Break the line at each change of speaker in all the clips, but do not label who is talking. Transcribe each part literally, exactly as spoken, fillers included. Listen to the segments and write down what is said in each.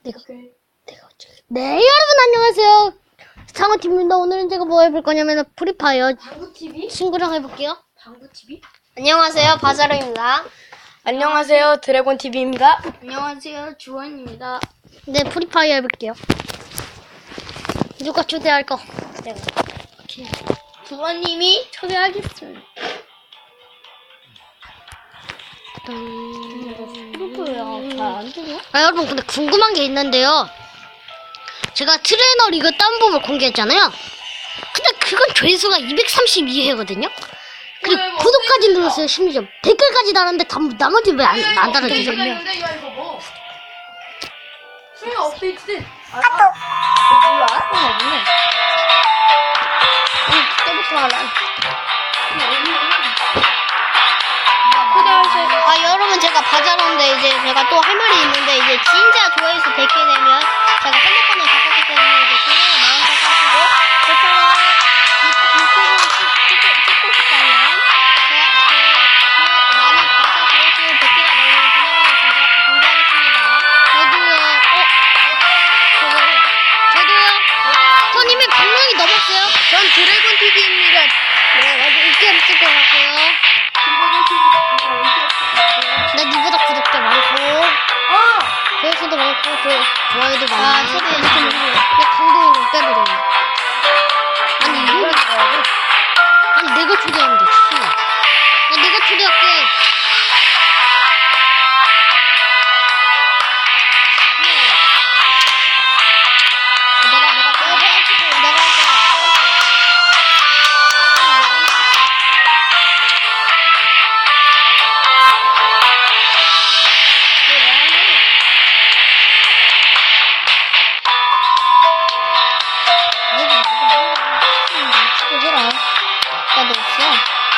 내가 내가 어째 네 여러분 안녕하세요. 상어팀입니다. 오늘은 제가 뭐 해볼 거냐면 프리파이어
방구티비?
친구랑 해볼게요.
방구티비?
안녕하세요 바자로입니다.
안녕하세요 드래곤티비입니다.
안녕하세요, 주원입니다.
네 프리파이어 해볼게요. 누가 초대할 거? 내가. 오케이.
주원님이 초대하겠습니다.
그렇고요. 잘안 되냐? 아 여러분 근데 궁금한 게 있는데요. 제가 트레이너 리그 딴법을 공개했잖아요. 근데 그건 조회수가 이백삼십이 회거든요. 그리고
왜, 뭐
구독까지
업데이트가?
눌렀어요. 심지어 댓글까지 달았는데 다, 나머지 왜 안 안 달아주죠?
야 이거 뭐? 수영 업데이트된. 아,
몰라? 어, 없네. 응, 때부터 알아.
아 여러분 제가 바자로인데 이제 제가 또 할 말이 있는데 이제 진짜 조회수 백 개 되면 제가 핸드폰을 바꿨기 때문에 이제 그냥 마음껏 하시고 저처럼 유튜브 찍고 찍고 싶다면 제가 그 많이 봐서 조회수 백 개가 넘는 그날을 공개하겠습니다. 저도요. 어? 저도요. 저도요. 전 이미 백 명이 넘었어요.
전 드래곤티비입니다.
네, 아주 인기 없을 것 같고요. 나 니보다 구독자 많고 조회수도 많고 조, 좋아요도 많아.
아, 초대해주세요.
내 강동이 좀 빼버려. 아니 이걸 아니 내가 초대하면 돼. 씨. 나 내가 초대할게. 네. 내가 내가 내가 할게. 내가 할게. 해라. 나도 없어.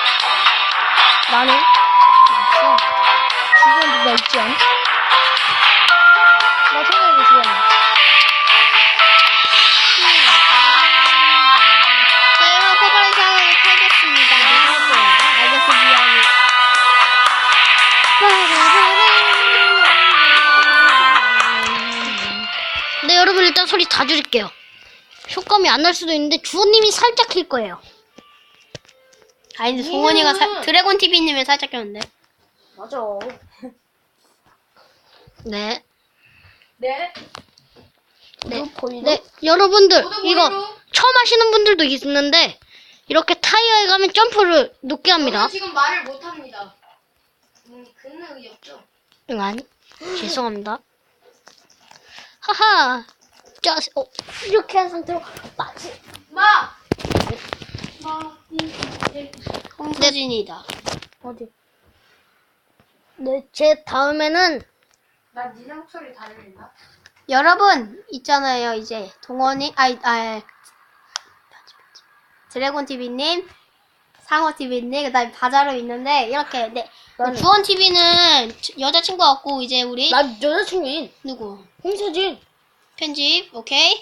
나는
없어.
주원 누가 있지 않아? 나 생각해 주원.
저희가 포괄상을 팔겠습니다. 알겠어, 미안해. 네, 여러분 일단 소리 다 줄일게요. 효과음이 안 날 수도 있는데 주호님이 살짝 킬 거예요.
아니, 송원이가 사, 드래곤티비님을 살짝 꼈는데.
맞아.
네.
네.
네.
보이나?
네, 여러분들
모두
이거
모이로.
처음 하시는 분들도 있는데 이렇게 타이어에 가면 점프를 높게 합니다.
저는 지금 말을 못 합니다. 음, 그는 의이 없죠.
응, 아니. 죄송합니다. 하하. 자, 어, 이렇게 한 상태로 마치.
마. 마. 이. 네.
홍수진이다.
어디? 네, 제 다음에는
나 니네 목소리 다 들린다.
여러분, 있잖아요, 이제. 동원이, 아이, 아, 드래곤티비님, 상어티비님, 그 다음에 바자로 있는데, 이렇게, 네. 주원티비는 여자친구 같고, 이제 우리,
나 여자친구인
누구?
홍서진.
편집, 오케이?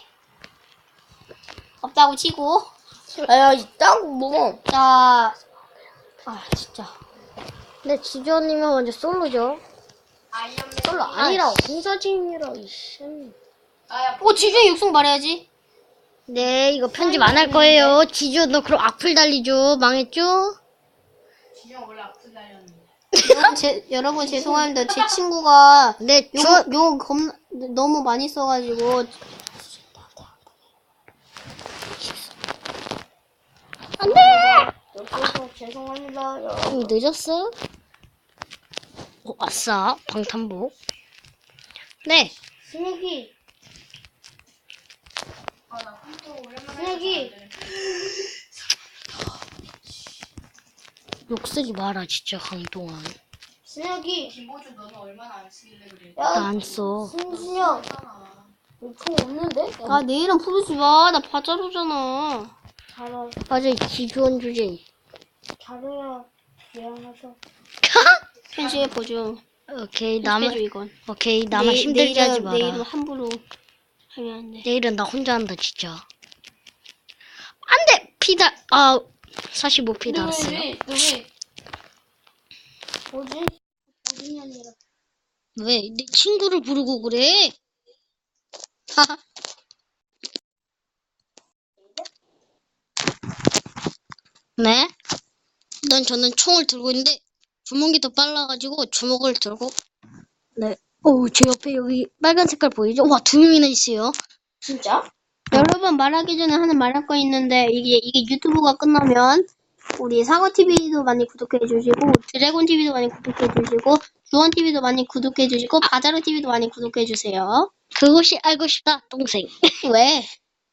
없다고 치고.
아야 있다고 뭐.
자, 아, 진짜.
근데 지주언님은 먼저 솔로죠.
아이언맨.
솔로 아니라 홍서진이라 이씨.
아야.
오, 지중에 육성 말해야지.
네, 이거 편집 안 할 거예요. 지주 너 그럼 악플 달리죠. 망했죠?
지정 원래 앞서 달렸는데.
여러분, 제, 여러분, 죄송합니다. 제 친구가
네,
욕,
주
욕 겁나, 너무 많이 써가지고.
안돼.
여러분 죄송합니다.
좀 늦었어? 오, 아싸 방탄복. 네.
승혁이. 아나 컴퓨터 오랜만에.
승혁이. 욕 쓰지 마라 진짜 강동원.
승혁이. 김보주 너는 얼마나 안 쓰길래 그래?
나 안 써.
승준형. 총 없는데?
아, 내 이름 부르지 마. 나 바자로잖아.
잘하.
맞아 지주원 주제.
잘해야 미안하다.
편집해 보죠.
오케이
편집해줘,
나만
이건.
오케이 나만
내-
힘들게
내 이름-
하지 마라.
내 이름 함부로 하면 안 돼.
내일은 나 혼자 한다 진짜. 안돼 피다 아 사십오 피 달았어요.
누구? 뭐지?
왜 내 친구를 부르고 그래?
네? 일단 저는 총을 들고 있는데 주먹이 더 빨라가지고 주먹을 들고 네. 오, 제 옆에 여기 빨간 색깔 보이죠? 와, 두 명이나 있어요.
진짜?
여러분 말하기 전에 하는 말할 거 있는데 이게 이게 유튜브가 끝나면 우리 상어티비도 많이 구독해주시고 드래곤티비도 많이 구독해주시고 주원티비도 많이 구독해주시고 바자로티비도 많이 구독해주세요. 그것이 알고 싶다 동생. 왜?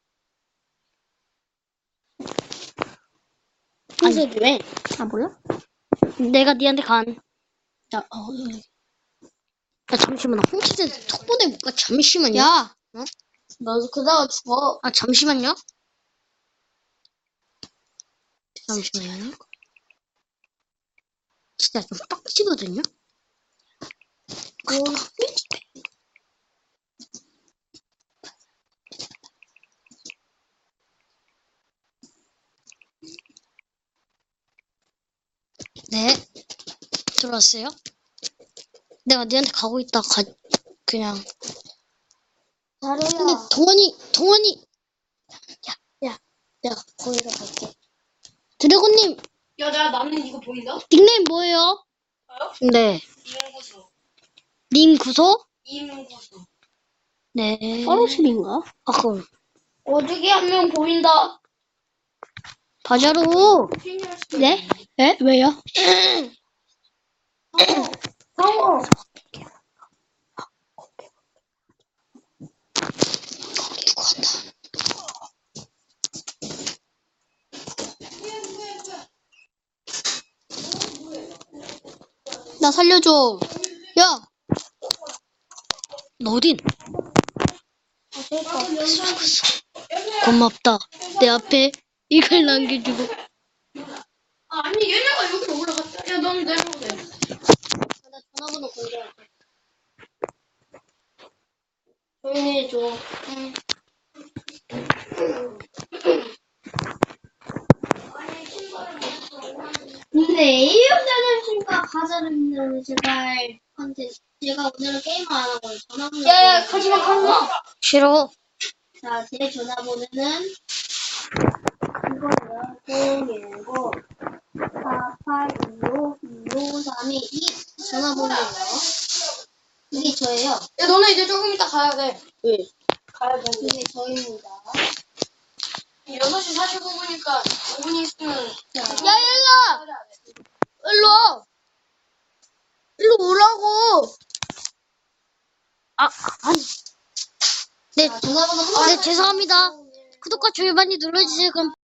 동생이 왜?
아 몰라? 내가 니한테 간. 야, 어, 야 잠시만 나 홍치대 톡 보내볼까? 잠시만요. 야, 어?
너도 그러다가 죽어.
아 잠시만요. 잠시만요. 진짜 좀 빡치거든요. 네, 들어왔어요? 내가 니한테 가고 있다 가 그냥. 근데
잘해요.
동원이 동원이
야, 내가 거기로 갈게.
드래곤님
야, 나 나는 이거 보인다?
닉네임 뭐예요?
저요?
네,
이문구수.
님 구소?
이문구수.
네. 서로실인가? 아 그럼
어저기 한 명 보인다.
바자로. 네? 네? 왜요?
상어.
나 살려줘. 야, 너 어딘? 고맙다. 내 앞에 이걸 남겨주고.
아, 아니 얘네가 여기로 올라갔다. 야, 넌 내려오래.
나 전화번호 공개할게.
조용히 해줘.
응. 근데 이용자님과 가자는 제발 컨텐츠. 제가 오늘은 게임을 안 하고 전화번호.
야야, 가지마, 가지마.
싫어.
자, 제 전화번호는 이거예요. 공일구 사팔이오 이오삼이 이 전화번호예요. 이게 저예요.
야, 너네 이제 조금 이따 가야 돼.
왜?
가야 돼.
이게 저입니다.
여섯 시 사십오 분이니까 오 분 있으면.
자,
야, 일로! 일로 와! 일로 오라고! 아, 아니. 네,
자, 전화번호 한
네, 죄송합니다. 구독과 좋아요 많이 눌러주세요. 그럼